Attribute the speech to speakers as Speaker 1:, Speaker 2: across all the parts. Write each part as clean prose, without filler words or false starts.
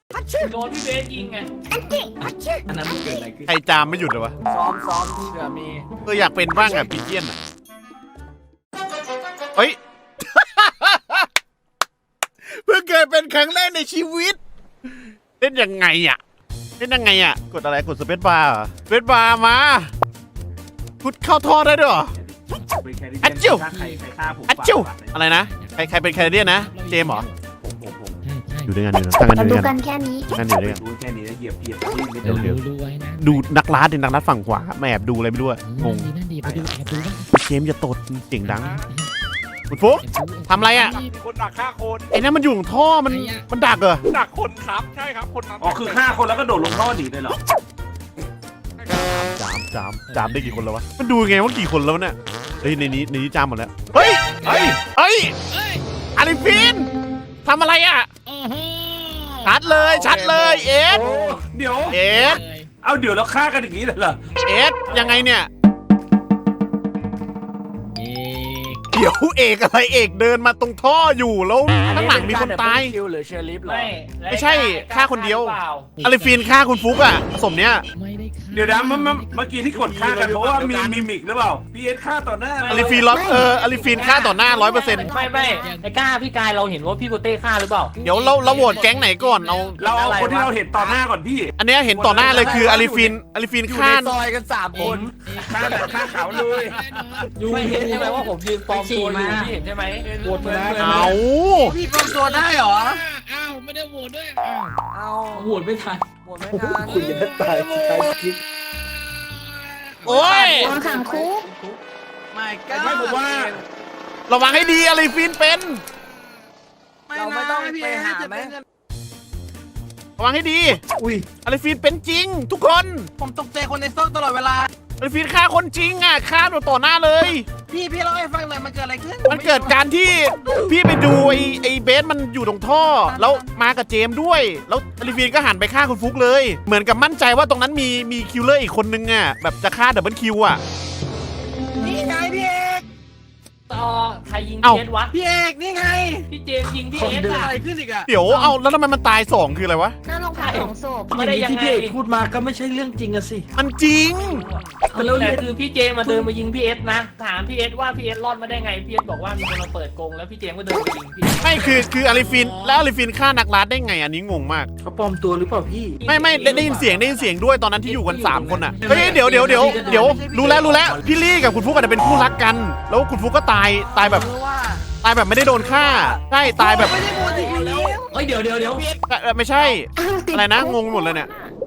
Speaker 1: โดนพี่เบสยิงไง
Speaker 2: อันนั้นมันเกิดอะไรขึ้น
Speaker 3: ใครจามไม่หยุดเลยวะ
Speaker 2: ซ้อมเผื่อมี
Speaker 3: อยากเป็นบ้างอ่ะปีเจียนอ่ะเฮ้ย เพิ่งเคยเป็นครั้งแรกในชีวิตเล่นยังไงอ่ะกดอะไรกดสเปซบาร์สเปซบาร์มาพุดเข้าท่อได้ด้วยเหรอ อัจจิว
Speaker 2: ใครฆ่าผม
Speaker 3: อัจจิวอะไรนะใครเป็นแคนาเดียนนะเจมส์เหรออยู่ด้วยกันอยู่ตั้งกันอยู่
Speaker 4: ดู
Speaker 3: ด้วย
Speaker 4: กั
Speaker 3: กัน
Speaker 4: นแค่นี้
Speaker 3: นั่นอยู่ด้วยกัน
Speaker 2: รู้แค่นี้แล้วเหยียบ
Speaker 3: เดี๋ยว
Speaker 5: ดูไว้นะ
Speaker 3: ดูนักล่าดินักล่าฝั่งขวาแอบดูอะไรไม่รู้อะงง
Speaker 5: นั่นดีไปดูแอบดูบ้าง
Speaker 3: เจมส์อย่าตดเสียงดังคุณฟุ๊กทำอะไรอ่ะ
Speaker 6: คนดักฆ่าคน
Speaker 3: ไอ้นั่นมันอยู่ของท่อมันดักเหรอ
Speaker 6: ดักคนครับใช่ครับคนนั้น
Speaker 2: อ๋อคือฆ่าคนแล้วก็โดดลงท่อหนีเลยเหรอ
Speaker 3: จามได้กี่คนแล้ววะมันดูไงว่ากี่คนแล้วเนี่ยเฮ้ยในนี้จามหมดแล้วเฮ้ยอาริฟินทำอะไรอ่ะชัดเลยเอ็ด
Speaker 2: โอ้เดี๋ยว
Speaker 3: เอ็ด
Speaker 2: เอาเดี๋ยวเราฆ่ากันอย่างนี้เลยเหรอ
Speaker 3: เอ็ดยังไงเนี่ย
Speaker 5: เอก
Speaker 3: เดี๋ยวเอกอะไรเอกเดินมาตรงท่ออยู่แล้วข้างหลังมีคนตาย
Speaker 2: คิวหรือเชอริฟเหรอ
Speaker 3: ไม่ใช่ฆ่าคนเดียว อาริฟินฆ่าคุณฟุกอ่ะสมเนี้ย
Speaker 5: ไม่ได้ฆ่า
Speaker 2: เดี๋ยวนะเมื่อกี้ที่กดฆ่ากันเพราะว่ามีมิมิกหรือเปล่าพี่เอสฆ่าต่อหน้า
Speaker 3: อาริฟินอาริฟินฆ่าต่อหน้า 100%
Speaker 1: ไม่ไอ้กล้าพี่กายเราเห็นว่าพี่โกเต้ฆ่าหรือเปล่า
Speaker 3: เดี๋ยวเราโหวตแก๊งไหนก่อนเอา
Speaker 2: เราเอาคนที่เราเห็นต่อหน้าก่อนพี่
Speaker 3: อันเนี้ยเห็นต่อหน้าเลยคืออาริฟิน
Speaker 2: อยู่
Speaker 3: ฆ่า
Speaker 2: ในซอยกัน3 คนฆ่าเขาเลย
Speaker 1: ไม่เห็นใช่ไหมว่าผมยืนปลอมตัวอยู่พี่เห็นใช่ไหมโหวตมา
Speaker 3: เอา
Speaker 2: พี่ปลอมตัวได้เหรอ
Speaker 5: อ้าวไม่ได้โหวตด้วย
Speaker 1: โหวตไม่ทัน
Speaker 2: คุยกันตายคลิป
Speaker 3: โอ้ย
Speaker 4: โดนขังคุก
Speaker 2: ไม่ผมว่า
Speaker 3: ระวังให้ดีอาริฟินเป็น
Speaker 2: เราไม่ต้องไปหาไหม
Speaker 3: ระวังให้ดี
Speaker 2: อุ้ย
Speaker 3: อาริฟินเป็นจริง ทุกคน
Speaker 2: ผมตกใจคนในซอกตลอดเวลา
Speaker 3: อาริฟินฆ่าคนจริงอ่ะฆ่าต่อหน้าเลย
Speaker 2: พี่เล่าให้ฟังหน่อยมันเกิดอะไรขึ้น
Speaker 3: มันเกิดการที่พี่ไปดูไอ้เบสมันอยู่ตรงท่อ แล้วมากับเจมส์ด้วย แล้วอาริฟินก็หันไปฆ่าคุณฟุกเลย เหมือนกับมั่นใจว่าตรงนั้นมีคิลเลอร์อีกคนนึงอ่ะแบบจะฆ่าดับเบิลคิวอ่ะ
Speaker 2: นี่ไงพี่เอก
Speaker 1: ต่อใครยิง
Speaker 3: เอ้า
Speaker 1: พี่เอสวะ
Speaker 2: พี่เอกนี่ไง
Speaker 1: พี่เจมส์ยิงพี่
Speaker 2: ผม
Speaker 1: เอส
Speaker 2: เดิน
Speaker 1: อะ
Speaker 2: อะไรขึ้นอีกอะ
Speaker 3: เดี๋ยวเอาแล้วทำไมมันตาย2คืออะไรวะ
Speaker 4: หน้าโรงพักของศพ
Speaker 1: ไม่ได้ยัง
Speaker 2: ที่
Speaker 1: ไง
Speaker 2: พี่เอกพูดมาก็ไม่ใช่เรื่องจริงอะสิ
Speaker 3: มันจริง
Speaker 1: แต่คือพี่เจมส์มาเดินมายิงพี่เอสนะถามพี่เอสว่าพี่เอสรอดมาได้ไงพี่เอสบอกว่ามีคนมาเปิดกรงแล้วพี่เจมส์ก็เดินไปยิงพี่
Speaker 3: ไม่คืออาริฟินแล้วอาริฟินฆ่านักล่าได้ไงอันนี้งงมาก
Speaker 2: เขาปลอมตัวหรือเปล่าพี่
Speaker 3: ไม่ได้ยินเสียงด้วยตอนนั้นที่อยู่กัน3 คนอ่ะเฮ้ยเดี๋ยวรู้แล้วพี่ลี่กับคุณฟุกอาจจะเป็นคู่รักกัน แล้วคุณฟุกก็ตายแบบไม่ได้โดนฆ่าใช่ตายแบบ
Speaker 2: ไม่ได้พูดอีกแล้ว
Speaker 1: เฮ้ยเดี๋ยว
Speaker 3: ไม่ใช่ อะไรนะงงหมดเลยเนี่ย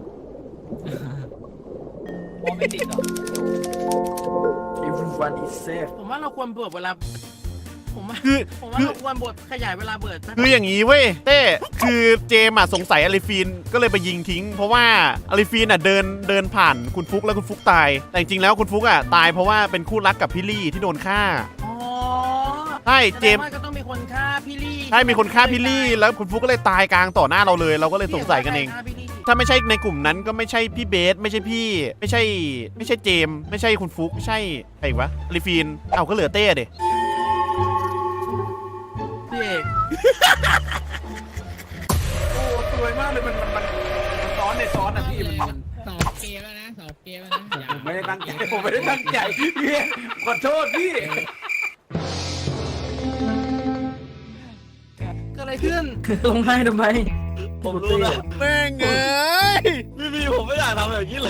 Speaker 1: มองไม่ติดหรอ
Speaker 2: Everyone is safe
Speaker 7: ผมว่าเราควรเปิดเวลา ผมว่า
Speaker 3: คือ
Speaker 7: เราควรบทขยายเวลาเปิด
Speaker 3: คืออย่างนี้เว้ยเต้คือเจมส์สงสัยอาริฟินก็เลยไปยิงทิ้ง เพราะว่าอาริฟินเดินผ่านคุณฟุกแล้วคุณฟุกตายแต่จริงๆแล้วคุณฟุกตายเพราะว่าเป็นคู่รักกับพี่ลี่ที่โดนฆ่า
Speaker 7: อ๋อ
Speaker 3: ใช่เจมส์
Speaker 7: แสดงว่าก็ต้องมีคนฆ่าพี่ลี่
Speaker 3: ใช่มีคนฆ่าพี่ลี่แล้วคุณฟุกก็เลยตายกลางต่อหน้าเราเลย เราก็เลยสงสัยกันเอง
Speaker 7: ฆ่าพี่ลี่
Speaker 3: ถ้าไม่ใช่ในกลุ่มนั้นก็ไม่ใช่พี่เบสไม่ใช่พี่ไม่ใช่เจมส์ไม่ใช่คุณฟุกไม่ใช่ใครอีกวะอาริฟินเอาก็เหลือเต้เด
Speaker 7: พี่เอก
Speaker 2: โอ้สวยมากเลยมันซ้อนในซ้อนอะพี่มัน
Speaker 5: สอบเกมแล้วนะอย่า
Speaker 2: ผมไม่ได้ตั้งใจผมไม่ได้ตั้งใจพี่ขอโทษพี่
Speaker 7: เกิดอะไรขึ้น
Speaker 1: ลงให้ทำไม
Speaker 6: ผมรู้แล้ว
Speaker 3: แม่งเอ้ย
Speaker 6: พี่ผมไม่อยากทำแบบนี้เลย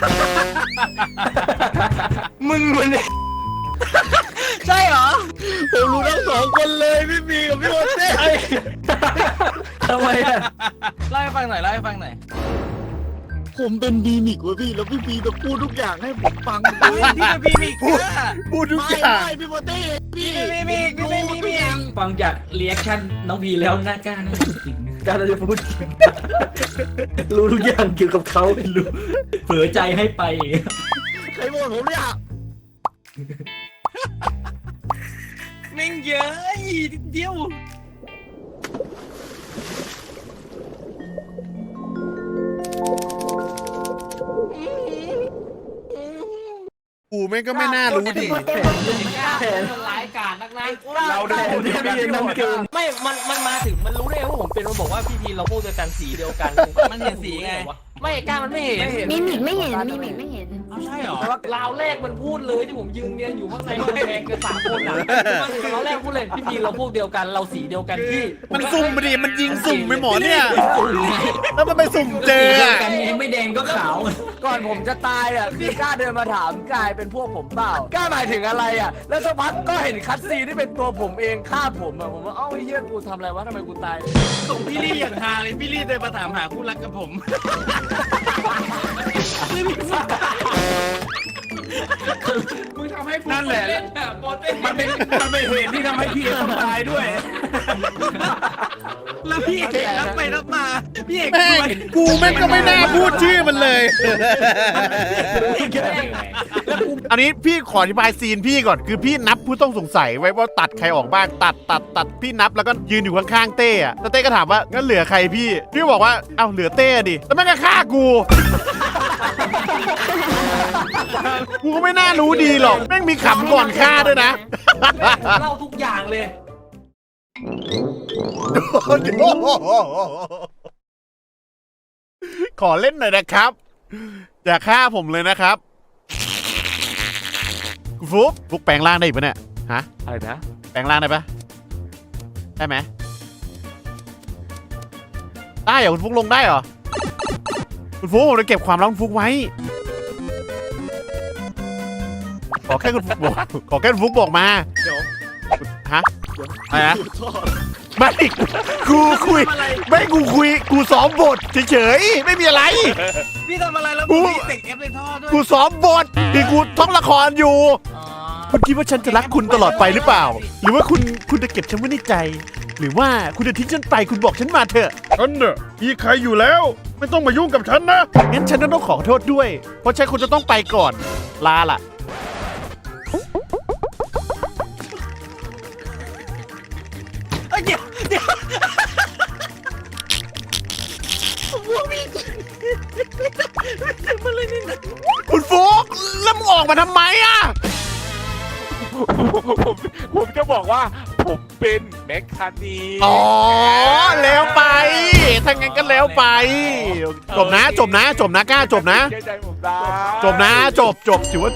Speaker 2: มึงมัน
Speaker 7: ใช่เหรอ
Speaker 6: ผมรู้ทั้ง2 คนเลยพี่บีกับพี่โอเต้
Speaker 1: ทำไมอะ
Speaker 7: เล่าให้ฟังหน่อยเล่าให้ฟังหน่อย
Speaker 6: ผมเป็นบีมิกเว้ยพี่แล้วพี่บีจะพูดทุกอย่างให้ผมฟัง
Speaker 7: พี่เป็นพี่มิกเนี่ย
Speaker 3: พูดทุกอย่าง
Speaker 6: ไม่พี่โอเต้พี่
Speaker 7: พี่มิกพี่เป็นพี่มิก
Speaker 1: ฟังจากเรีแอคชั่นน้องพีแล้วน่ากล้านะจริงนะ
Speaker 2: การจะพูดรู้ทุกอย่างเกี่ยวกับเขารู้
Speaker 1: เผลอใจให้ไป
Speaker 6: ใครบอกผมเนี่ย
Speaker 7: แม่งเยอะนิดเดียว
Speaker 3: กูแม่งก็ไม่น่ารู้ดิ
Speaker 1: แผนร้ายกาจนักนะ
Speaker 2: เราได้คนที่พี่น้ำเกิน
Speaker 7: ไม่
Speaker 1: ไม่มันมาถึงมันรู้ได้ไงว่าผมเป็นมันบอกว่าพี่ทีเราพวกเดียวกันสีเดียวกัน
Speaker 7: มันเห็นสีไง
Speaker 1: ไม่กล้ามันไม่เห็น
Speaker 4: มิมิกไม่เห็นมิมิกไม่เห็น
Speaker 7: เอาใช่เหรอ
Speaker 1: แต่ว่าราวแรกมันพูดเลยที่ผมยืนเรียนอยู่ข้างในกำแพงกัน3 คนอ่ะมาถึงราวแรกพูดเลยพี่ทีเราพวกเดียวกันเราสีเดียวกันพี่
Speaker 3: มันสุ่มไปดิมันยิงสุ่มไปหมอเนี่ย แล้วมันไปสุ่มเจออะ
Speaker 7: กันนี้ไม่แดงก็ขาว
Speaker 8: ก่อนผมจะตายอ่ะพี่กล้าเดินมาถามกายเป็นพวกผมเปล่ากล้าหมายถึงอะไรอ่ะแล้วสักพักก็เห็นคัตซีนที่เป็นตัวผมเองฆ่าผมอ่ะผมว่าเอ้าไอ้เหี้ยกูทำอะไรวะทำไมกูตาย
Speaker 7: ส่งพี่ลี่อย่างฮาเลยพี่ลี่เดินมาถามหาคู่รักกับผมมึงทำให้กู
Speaker 2: นั่นแหละ
Speaker 7: เล่นอะโปเต้น
Speaker 2: มันเป็นเหตุที่ทำให้พี่เอต้องตายด้วย
Speaker 7: แล้วพี่เอกรับไปรับมาพี่เอก
Speaker 3: แม่งกูแม่งก็ไม่น่าพูดชื่อมันเลย อันนี้พี่ขออธิบายซีนพี่ก่อนคือพี่นับผู้ต้องสงสัยไว้ว่าตัดใครออกบ้างตัดพี่นับแล้วก็ยืนอยู่ข้างๆเต้อะแล้วเต้ก็ถามว่างั้นเหลือใครพี่บอกว่าเอ้าเหลือเต้ดิแล้วแม่งก็ฆ่ากูกูก็ไม่น่ารู้ดีหรอกแม่งมีขำก่อนฆ่าด้วยนะ
Speaker 1: เล่าทุกอย่างเลย
Speaker 3: ขอเล่นหน่อยนะครับ อย่าฆ่าผมเลยนะครับคุณฟุกแปลงร่างได้อีกปะเนี่ยฮะ
Speaker 8: อะไรนะ
Speaker 3: แปลงร่างได้ปะได้ไหมได้เหรอคุณฟุกลงได้เหรอคุณฟุกผมจะเก็บความลับคุณฟุกไว้ขอแค่คุณฟุกบอกขอแค่คุณฟุกบอกมาเดี๋ยวฮะอะไรนะไม่กูคุยไม่กูคุยกูซ้อมบทเฉยๆไม่มีอะไร
Speaker 7: พี่ทำอะไรแล้ว
Speaker 3: กู
Speaker 7: พี่เตะเอฟในท่อด้วย
Speaker 3: กูซ้อมบทที่กูท่องละครอยู่คุณคิดว่าฉันจะรักคุณตลอดไปหรือเปล่า หรือว่าคุณจะเก็บฉันไว้ในใจ หรือว่าคุณจะทิ้งฉันไปคุณบอกฉันมาเถอะฉันเนอะมีใครอยู่แล้ว ไม่ต้องมายุ่งกับฉันนะงั้นฉันต้องขอโทษด้วย เพราะฉันคุณจะต้องไปก่อนลาล่ะคุณฟุกแล้วมึงออกมาทำไมอ่ะ
Speaker 9: ผมจะบอกว่าผมเป็นแมคคานี
Speaker 3: อ๋อแล้วไปถ้างั้นก็แล้วไปจบนะกล้าจบนะ
Speaker 9: เชื่อใจผมนะ
Speaker 3: จบนะจบถือว่า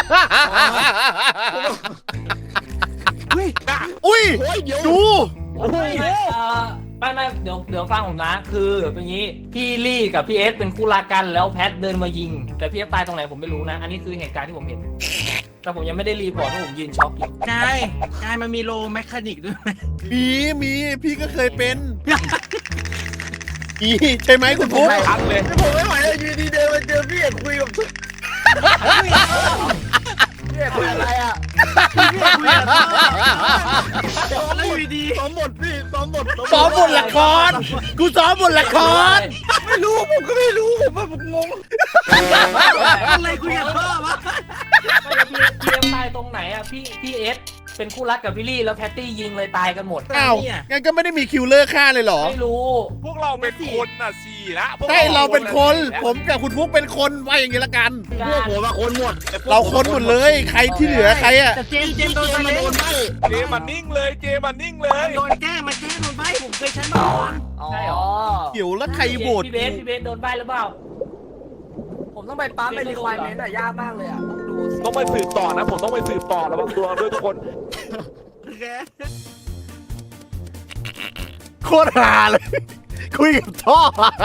Speaker 3: อุ้ยดู
Speaker 1: ไม่เดี๋ยวฟังผมนะ คือเป็นอย่างนี้พี่ลี่กับพี่เอสเป็นคู่รักกันแล้วแพทเดินมายิง แต่พี่เอสตายตรงไหนผมไม่รู้นะ อันนี้คือเหตุการณ์ที่ผมเห็น แต่ผมยังไม่ได้รีพอร์ตเพราะผมยืนช็อกอยู่
Speaker 7: กายมันมีโลแมคคานิกด้วยไหม
Speaker 3: มีพี่ก็เคยเป็นใช่ไหมคุณฟุ๊ก
Speaker 9: ทักเลย
Speaker 6: ผมไม่ไหวแล้วอยู่ดีเดินมาเจอพี่เอกคุยกับพี่เอกคุยอะไรอ่ะ
Speaker 7: แล้วอยู่ดี
Speaker 6: ซ้อมบทพี่ซ้อมบท
Speaker 3: ซ้อมบทละครกูซ้อมบทละคร
Speaker 6: ไม่รู้ผมก็ไม่รู้ผมงง
Speaker 7: อะไรคุยกับพ่อวะ
Speaker 1: พี่เอสตายตรงไหนอ่ะพี่เอสเป็นคู่รักกับพี่ลี่แล้วแพตตี้ยิงเลยตายกันหมด
Speaker 3: อ้าวงั้นก็ไม่ได้มีคิวเลอร์ฆ่าเลยเหรอ
Speaker 1: ไม่รู้
Speaker 9: พวกเราเป็นคนน่ะสี่ละพวก
Speaker 3: ใช่เราเป็นคน ผมกับคุณฟุ๊กเป็นคนว่าอย่างนี้ละกัน
Speaker 6: พวกผมอะคนหมด
Speaker 3: เราคนหมดเลยใครที่เหลือใครอะ
Speaker 7: แต่เจมโดนไป
Speaker 6: โดนใบ
Speaker 9: เจมันนิ่งเลยเจมันนิ่งเลย
Speaker 7: โดนแก้มาแก้โดนใบผมเคยใช้มาก่อน
Speaker 1: ใช่หรอ
Speaker 3: เดี๋ยวแล้วใครโหวต
Speaker 1: พี่เบสโดนใบหรือเปล่า
Speaker 8: ผมต้องไปปั๊มไปรีควายเมนต์อ่ะยากมากเลยอ่ะดูสิ
Speaker 9: ต้องไปสืบต่อนะผมต้องไปสืบต่อระวังตัวด้วยทุกคน
Speaker 3: โคตรฮาเลย คุยกับท่อ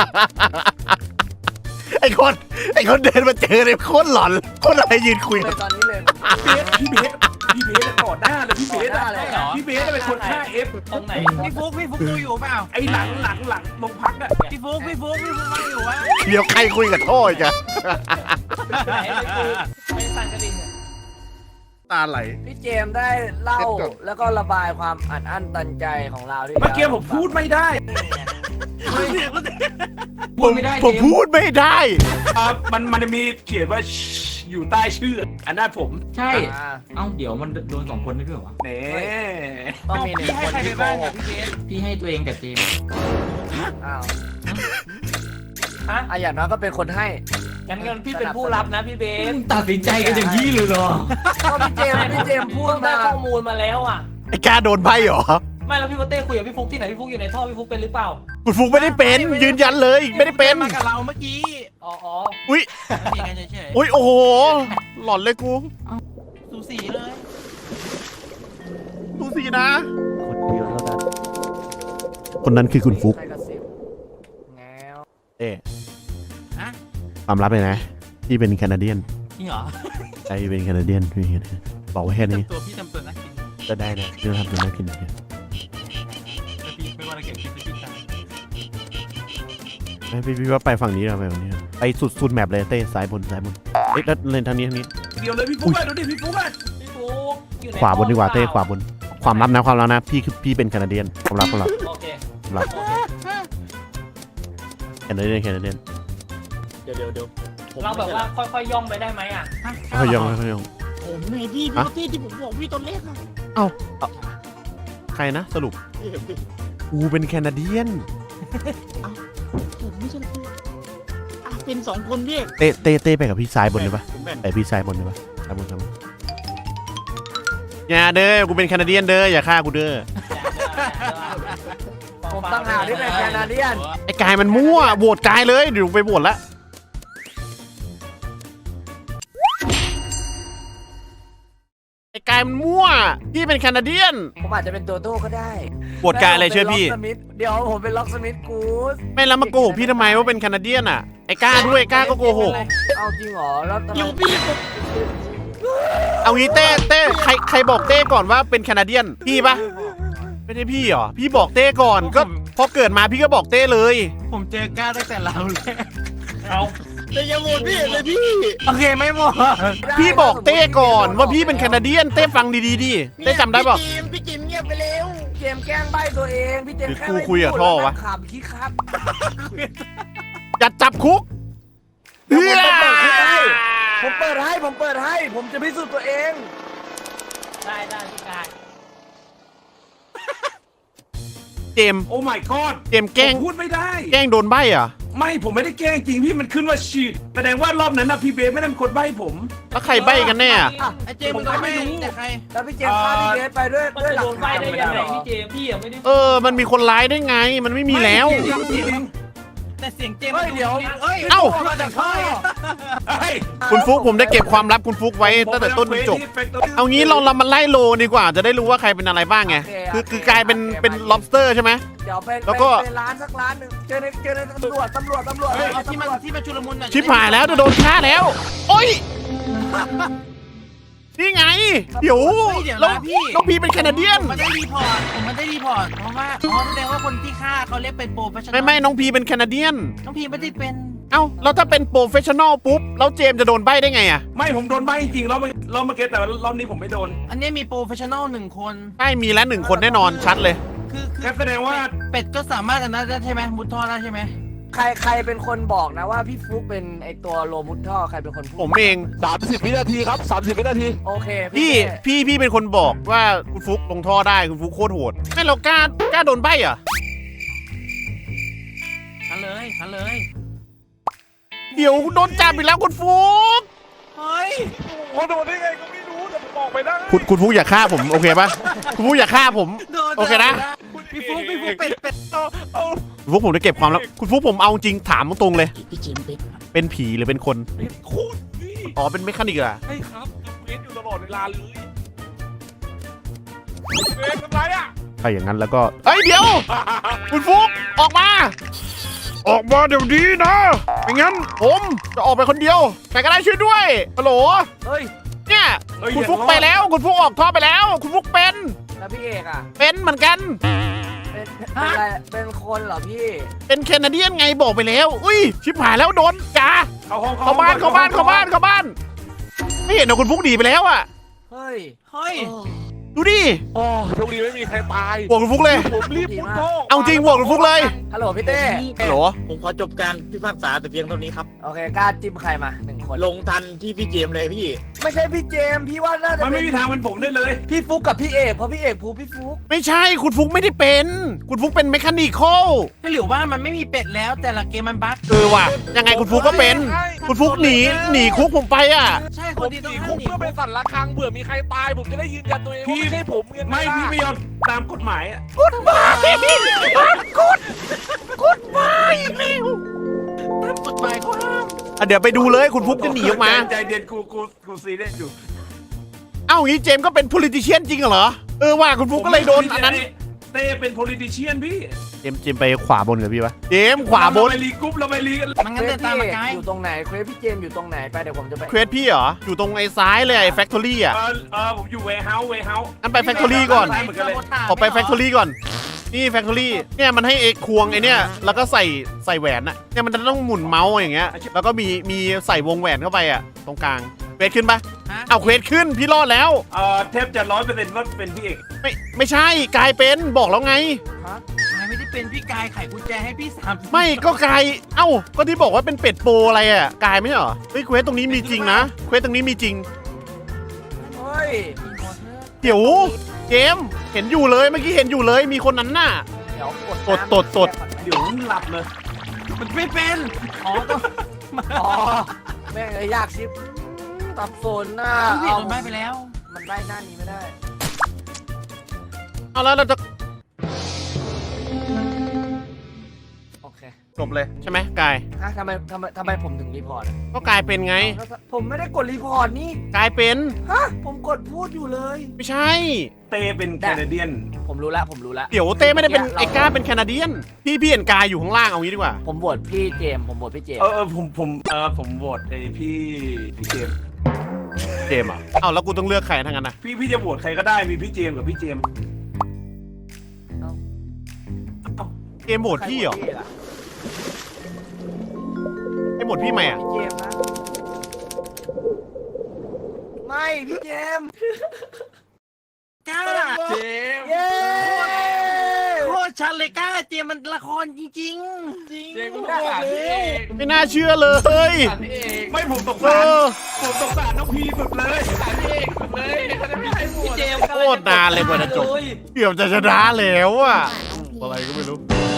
Speaker 3: ไอ้คนเดินมาเจอเลยโคตรหลอนโคตรอะไรยืนคุย
Speaker 8: เลยตอนนี้เลย
Speaker 2: พี่เบสก่อนหน้าเลยพี่เบสอะพี่เบสเป็นคนฆ่าเอฟ
Speaker 1: ตรงไหน
Speaker 7: พี่ฟุกดูอยู่เปล่า
Speaker 2: ไอ้หลังลงพักอะ
Speaker 7: พี่ฟุกมาอยู่วะ
Speaker 3: เดี๋ยวใครคุยกับท่ออีกอะ
Speaker 1: ไหนไปคุยไปสั่นกระดิ่ง
Speaker 3: ตาไหล
Speaker 8: พี่เจมส์ได้เล่าแล้วก็ระบายความอัดอั้นตันใจของเราที่
Speaker 2: เมื่อกี้ผมพูดไม่ได้
Speaker 3: ผมพูดไม่ได้
Speaker 2: มันจะมีเขียนว่าอยู่ใต้ชื่ออันนั้นผม
Speaker 8: ใช่
Speaker 5: เอ้าเดี๋ยวมันโดน2 คนได้ด้วยเหรอวะ
Speaker 2: เน่
Speaker 8: ต้องมีหนึ่งคนที่โกหก
Speaker 5: พี่ให้ตัวเองกับเจมส์
Speaker 8: อ้าว
Speaker 1: ฮะ
Speaker 8: อ่ะอย่างน้อยก็เป็นคนให้
Speaker 1: งั้นพี่เป็นผู้รับนะพี่เบส
Speaker 5: ตัดสินใจกันอย่างนี้เลยเหรอ
Speaker 8: ก็พี่เจมส์พูด
Speaker 1: ต้องได้
Speaker 8: มา
Speaker 1: ข้อมูลมาแล้วอ่ะ
Speaker 3: ไอ้กาโดนไพ่เหรอ
Speaker 1: ไม่แล้วพี่โปเต้คุยกับพี่ฟุกที่ไหนพี่ฟุกอยู่ในท่อพี่ฟุกเป็นหรือเปล่า
Speaker 3: คุณฟุกไม่ได้เป็น ยืนยันเลยไม่ได้เป็น
Speaker 7: มากับเราเมื่อกี้
Speaker 1: อ๋อ
Speaker 3: อุ้ย
Speaker 7: มีกันเฉย
Speaker 3: อุ้ยโอ้โหหลอนเลยกู
Speaker 7: ๆสูสีเลย
Speaker 3: ดูสินะ
Speaker 8: คนเดียวแล้วกัน
Speaker 3: คนนั้นคือคุณฟุก
Speaker 8: ใครกระซิบแงว
Speaker 3: เอ๊
Speaker 7: ฮะ
Speaker 3: ความลับเลยนะพี่เป็นแคนาเดียน
Speaker 7: จริงเหรอ
Speaker 3: ใจเป็นแคนาเดียนพี่บอกไว้แค่นี้
Speaker 7: ตัวพี่ทำตัวนักกิน
Speaker 3: จะได้นะเรื่องทำเป็นน่ากินนะ
Speaker 7: แต่พี่ไม่ว่าเราเก็บคลิปพี่ตาย
Speaker 3: ไม่พี่ว่าไปฝั่งนี้เราไปฝั่งนี้ไปสุดแมปเลยเต้ซ้ายบนเอ๊ะแล้วเลนทางนี้
Speaker 2: เดี๋ยวเลยพี่ฟุ๊กเลยดูดิพี่ฟุ๊กเลย
Speaker 1: พี่ฟุกอยู่ใน
Speaker 3: ขวาบนดีกว่าเต้ขวาบนความลับนะพี่คือพี่เป็นแคนาเดียนความลับ
Speaker 1: โอเค
Speaker 3: ความลับแคนาเดียน
Speaker 6: เดี๋ยวผม
Speaker 1: เราแบบว่าค่อยๆย่องไปได้ไหมอ่ะ
Speaker 3: เขายอง
Speaker 6: ผมไงพี่
Speaker 3: ฮะ
Speaker 6: พี่ที่ผมบอกพี่ตอนแรกอะ
Speaker 3: ใครนะสรุป
Speaker 6: พี่เห็นดิ
Speaker 3: กูเป็นแคนาเดียน
Speaker 6: ผมไม่ใช่เป็นสองคนพี่
Speaker 3: เต้ไปกับพี่ซ้ายบนเลยปะ
Speaker 6: ผมแบ่ง
Speaker 3: ไปพี่ซ้ายบนเลยปะซ้ายบนอย่าเด้อกูเป็นแคนาเดียนเด้ออย่าฆ่ากูเด้อ
Speaker 8: ผมตั้งหากที่เป็นแคนาเดียน
Speaker 3: ไอ้กายมันมั่วโหวตกายเลยเดี๋ยวไปโหวตละไอ้กายมันมั่วพี่เป็นแคนาเดียน
Speaker 8: ผมอาจจะเป็นตัวโต้ก็ได้
Speaker 3: โหวตกายอะไรเชื่อพี่
Speaker 8: เดี๋ยวผมเป็นล็อกสมิธกูส
Speaker 3: ไม่แล้วมาโกหกพี่ทำไมว่าเป็นแคนาเดียนอ่ะไอ้กล้าด้วยกล้าก็โกหก
Speaker 8: เอาจริงเหรอแล้วทำไม
Speaker 6: อยู่พี่ผม
Speaker 3: เอางี้เต้ใครบอกเต้ก่อนว่าเป็นแคนาเดียนพี่ปะไม่ใช่พี่เหรอพี่บอกเต้ก่อนก็พอเกิดมาพี่ก็บอกเต้เลย
Speaker 7: ผมเจอก้าตั้งแต่เราเลย
Speaker 1: เอา
Speaker 6: แต่อยังโหวตพี่เลยพี่
Speaker 7: โอเคไม่หมด
Speaker 3: พี่บอกเต้ก่อนว่าพี่เป็นแคนาเดียนเต้ฟังดีๆดิเต้จำได้ปะ
Speaker 6: พี่จิมเงียบไปเร็ว
Speaker 8: เจมส์แกล้งใบตัวเองพี่เจมส์แค่
Speaker 3: หรือกูคุยกับท่อวะ
Speaker 8: ขำคิดครับ
Speaker 3: อย่าจับคุก
Speaker 8: ผมเปิดให้ผมจะพิสูจน์ตัวเอง
Speaker 1: ได้พี่กาย
Speaker 3: เจมส์
Speaker 2: โอ้ my god
Speaker 3: เจมส์แกล้ง
Speaker 2: ผมพูดไม่ได้
Speaker 3: แกล้งโดนใบอ่ะ
Speaker 2: ไม่ผมไม่ได้แกล้งจริงพี่มันขึ้นว่าชีดแสดงว่ารอบนั้นนะพี่เบสไม่ได้เป็นคนใบ้ผม
Speaker 3: แล้วใครใบกันแน่อะ
Speaker 7: ไอ้เจมส์มึงก็ไม่รู้แต่ใคร
Speaker 8: แล้วพี่เจมส์ฆ่าพี่เบสไปด้วย
Speaker 1: มัน
Speaker 8: ด้วย
Speaker 1: จะ
Speaker 8: หลั
Speaker 1: โด
Speaker 8: ก
Speaker 1: นใบ
Speaker 8: ฐาน
Speaker 1: ได้ยังไงพี่เจมส์พี่อะไม่ได้
Speaker 3: มันมีคนร้ายได้ไงมันไม่มีแล้ว
Speaker 7: แต่เสียงเจมส์
Speaker 8: เฮ้ยเดี๋ยว
Speaker 7: เอ้ย
Speaker 3: เอ้า
Speaker 7: มาจากท่อ
Speaker 2: เฮ้ย
Speaker 3: คุณฟุกผมได้เก็บความลับคุณฟุกไว้ตั้งแต่ต้นจนจบ เอางี้เรามาไล่โลดีกว่าจะได้รู้ว่าใครเป็นอะไรบ้างไงคือกลายเป็น lobster ใช่ไหม
Speaker 8: เดี๋ยวไป
Speaker 3: แล้วก็
Speaker 8: ไปร้านสักร้านหนึ่งเจอในตำรวจ
Speaker 7: เอาที่มันชุลมุนน่ะ
Speaker 3: ชิบหายแล้วจะโดนฆ่าแล้ว โอ้ย นี่ไง เดี๋ยว
Speaker 7: เดี๋ยว
Speaker 3: แล้ว
Speaker 7: นะพี่
Speaker 3: น้องพีเป็นแคนาเดียน
Speaker 7: ผมมันได้รีพอร์ตเพราะว่าแสดงว่าคนที่ฆ่าเขาเรียกเป็นโปรเฟชชั่นอล
Speaker 3: ไม่น้องพีเป็นแคนาเดียน
Speaker 7: น้องพีไม่ได้เป็น
Speaker 3: เอ้าแล้วถ้าเป็นโปรเฟชชั่นอลปุ๊บแล้วเจมส์จะโดนใบได้ไงอะ
Speaker 2: ไม่ผมโดนใบ้จริงรอบเมื่อกี้แต่รอบนี้ผมไม่โดน
Speaker 7: อันนี้มีโปรเฟชชั่นอลหนึ่งคน
Speaker 3: ใช่มีแล้ว1 คนแน่นอนชัดเลย
Speaker 7: คือ
Speaker 2: งั้นแสดงว่า
Speaker 7: เป็ดก็สามารถอันนั้นได้ใช่ไหมมุดท่อได้ใช่ไหม
Speaker 8: ใครเป็นคนบอกนะว่าพี่ฟลุ๊กเป็นไอตัวโลมุดท่อใครเป็นคนพู
Speaker 3: ผ
Speaker 8: ด
Speaker 3: มเอง
Speaker 9: 30 วินาทีครับ 30 วินาที
Speaker 8: โอเค
Speaker 3: พี่เป็นคนบอกว่าคุณฟุกลงท่อได้คุณฟุกโคตรโหดให้เรากล้าโดนใบเหรอ่ะ
Speaker 7: ขันเลย
Speaker 3: เดี๋ยวโดนจับอีกแล้วคุณฟุก
Speaker 7: เฮ้ย
Speaker 9: โอ้โดนได้ไงก็ไม่รู้แต่ผมบอกไปได้
Speaker 3: คุณฟุกอย่าฆ่าผมโอเคปะคุณฟุกอย่าฆ่าผม
Speaker 7: โดน
Speaker 3: โอเคนะ
Speaker 7: พี่ฟุ๊กเป็ด
Speaker 3: คุณฟุกผมจะเก็บความลับคุณฟุกผมเอาจริงถามตรงๆเลย
Speaker 6: พี่จิมเป็น
Speaker 3: เป็นผีหรือเป็นคน
Speaker 9: โคตรนี่
Speaker 3: อ๋อเป็นเมคานิกเหรอ
Speaker 9: ใช่ครับเบสอยู่ตลอดเวลาเลยเบสทำไรอ่ะ
Speaker 3: ถ้าอย่างนั้นแล้วก็เอ้ยเดี๋ยว คุณฟุกออกมา ออกมาเดี๋ยวนี้นะไม่งั้นผมจะออกไปคนเดียวใครก็ได้ช่วยด้วยฮัลโหล
Speaker 8: เฮ้ย
Speaker 3: เนี่ย
Speaker 2: เฮ้ย
Speaker 3: คุณฟุก
Speaker 2: อย่า
Speaker 3: ไปแล้วคุณฟุกออกท่อไปแล้ว คุณฟุกเป็น
Speaker 8: แล้วพี่เอกอ่ะ
Speaker 3: เป็นเหมือนกัน
Speaker 8: เป็นอะไรเป็นคนเหรอพี่
Speaker 3: เป็นแคนาเดียนไงบอกไปแล้ว อุ้ยชิบหายแล้วโดนจ้า
Speaker 2: เข้าห้อง
Speaker 3: เข้าบ้านไม่เห็นเหรอคุณฟุกหนีไปแล้วอ่ะ
Speaker 8: เฮ้ย
Speaker 3: ดูดิ
Speaker 9: โอ้โชคดีไม่มีใครตาย
Speaker 3: บวกคุณฟุกเลย
Speaker 9: ผมรีบมุดท่อ
Speaker 3: เอาจริงบวกคุณฟุกเลย
Speaker 8: ฮัลโหลพี่เต้
Speaker 3: ฮัลโหล
Speaker 6: ผมขอจบการพิพากษาแต่เพียงเท่านี้ครับ
Speaker 8: โอเคกล้าจิ้มใครมา1 คน
Speaker 6: ลงทันที่พี่เจมส์เลยพี่
Speaker 8: ไม่ใช่พี่เจมส์พี่ว่าน่าจะ
Speaker 2: มันไม่มีทางเป็นผมได้เลย
Speaker 8: พี่ฟุกกับพี่เอกเพราะพี่เอกพูพี่ฟุก
Speaker 3: ไม่ใช่คุณฟุกไม่ได้เป็น คุณฟุกเป็นเมคานิคอล
Speaker 7: หรือว่ามันไม่มีเป็ดแล้วแต่ละเกมมันบั๊ก
Speaker 3: ว่ะยังไงคุณฟุกก็เป็น
Speaker 7: ถ้า
Speaker 3: คุณฟุกหนีคุกผมไปอ่ะ
Speaker 7: ใช่ค
Speaker 9: ผ
Speaker 7: น
Speaker 9: ม
Speaker 7: ที่
Speaker 9: ห
Speaker 7: ต้อง
Speaker 9: นี
Speaker 7: ห้า
Speaker 9: คุ
Speaker 7: ม
Speaker 9: ก
Speaker 7: หนี
Speaker 9: เพื่อเป็นสัตว์ละครังเผื่อมีใครตายผมจะได้ยืนยันตัวเองว่าไม่ใช่ผมเงิน
Speaker 2: ไม่พี่ไม่ยอมตามกฎหมายอะ
Speaker 3: กฎหมายกฎหมายเขาห้ามอ่ะเดี๋ยวไปดูเลยคุณฟุกจะหนีออกมา
Speaker 2: ใจเย็นกูซีเรียสอยู่
Speaker 3: เอ้าอย่างนี้เจมส์ก็เป็น politician จริงเหรอว่าคุณฟุกก็เลยโดนอันนั้น
Speaker 2: เต้เป็น politician พี่
Speaker 3: เจมส์ไปขวาบนกับพี่ปะเจมส์ขวาบน
Speaker 2: เราไปรีกรุ๊ปเราไปรีกัน
Speaker 7: มันงั้นเดินตามมาไกล
Speaker 8: อยู่ตรงไหนเควสพี่เจมส์อยู่ตรงไหนไปเดี๋ยวผมจะไป
Speaker 3: เควสพี่เหรออยู่ตรงไอ้ซ้ายเลยไอ้ factory อ่ะ
Speaker 2: ผมอยู่ warehouse
Speaker 3: งั้นไป factory ก่อน
Speaker 2: ไปเหมือนกันเลย
Speaker 3: ขอไป factory ก่อนนี่ factory เนี่ยมันให้เอกควงไอ้เนี่ยแล้วก็ใส่แหวนอะเนี่ยมันจะต้องหมุนเมาส์อย่างเงี้ยแล้วก็มีใส่วงแหวนเข้าไปอะตรงกลางเควสขึ้นปะเอาเควสขึ้นพี่รอดแล้ว
Speaker 2: แทบจะ100%ว่าเป็นพี่เอก
Speaker 3: ไม่ใช่กลายเป็นบอกแล้วไง
Speaker 7: นายไม่ได้เป็นพี่กายไขกุญแจให้พี่3
Speaker 3: ไม่ก็กลายก็ที่บอกว่าเป็นเป็ดโปรอะไรอะกลายไม่ใช่เหรอเฮ้ยเควสตรงนี้มีจริงนะเควสตรงนี้มีจริง
Speaker 8: เฮ้ย
Speaker 3: เดี๋ยวเจมส์เห็นอยู่เลยเมื่อกี้เห็นอยู่เลยมีคนนั้นน่ะ
Speaker 8: เดี๋ยว
Speaker 3: ตด
Speaker 2: เดี๋ยวหลับเลย
Speaker 7: มันไม่เป็นอ๋อต้อง
Speaker 8: อ๋อแม่งเลยยากชิปตับโซนหน้า
Speaker 7: พี่โดนใบไปแล้ว
Speaker 8: มันได้หน้านี้ไม่ได้
Speaker 3: เอาแล้วเราจะ
Speaker 8: โอเค
Speaker 3: จบเลยใช่ไหมกาย
Speaker 8: ฮะทำไมผมถึงรีพอร์ตอะ
Speaker 3: ก็กลายเป็นไง
Speaker 8: ผมไม่ได้กดรีพอร์ตนี่
Speaker 3: กลายเป็น
Speaker 8: ฮะผมกดพูดอยู่เลย
Speaker 3: ไม่ใช่
Speaker 2: เต้เป็นแคนาเดียน
Speaker 8: ผมรู้แล้ว
Speaker 3: เดี๋ยวเต้ไม่ได้เป็นไอ้ก้าเป็นแคนาเดียนพี่เห็นกายอยู่ข้างล่างเอางี้ดีกว่า
Speaker 8: ผมโหวตพี่เจมส์ผมโหวตพี่เจมส์
Speaker 2: ผมโหวตไอ้พี่เจมส์
Speaker 3: เจมส์เหรอเอาแล้วกูต้องเลือกใครทั้งนั้นนะ
Speaker 2: พี่จะโหวตใครก็ได้มีพี่เจมส์กับพี่เจมส์
Speaker 3: เจมส์โหวตพี่เหรอ
Speaker 8: ใคโหวตพี่ล่ะ
Speaker 3: ไอ้โหวตพี่ไหมอ่ะ
Speaker 8: พี่เจมส์นะไม่พี่เจมส์
Speaker 7: กล้า
Speaker 8: เย้
Speaker 7: โคตรชัดเลยกล้าเจมมันละครจริงจริง
Speaker 8: เจมส์กูได้เลย
Speaker 3: ไม่น่าเชื่อเลย
Speaker 2: ไม่ผมสง
Speaker 3: เอ
Speaker 2: สาร
Speaker 3: อ
Speaker 2: น้องพีสุดเลย
Speaker 1: พี่เจมส์
Speaker 3: โคตรนานเลยกว่าจะจบเกือบจะชนะแล้วอ่ะอะไรก็ไม่รู้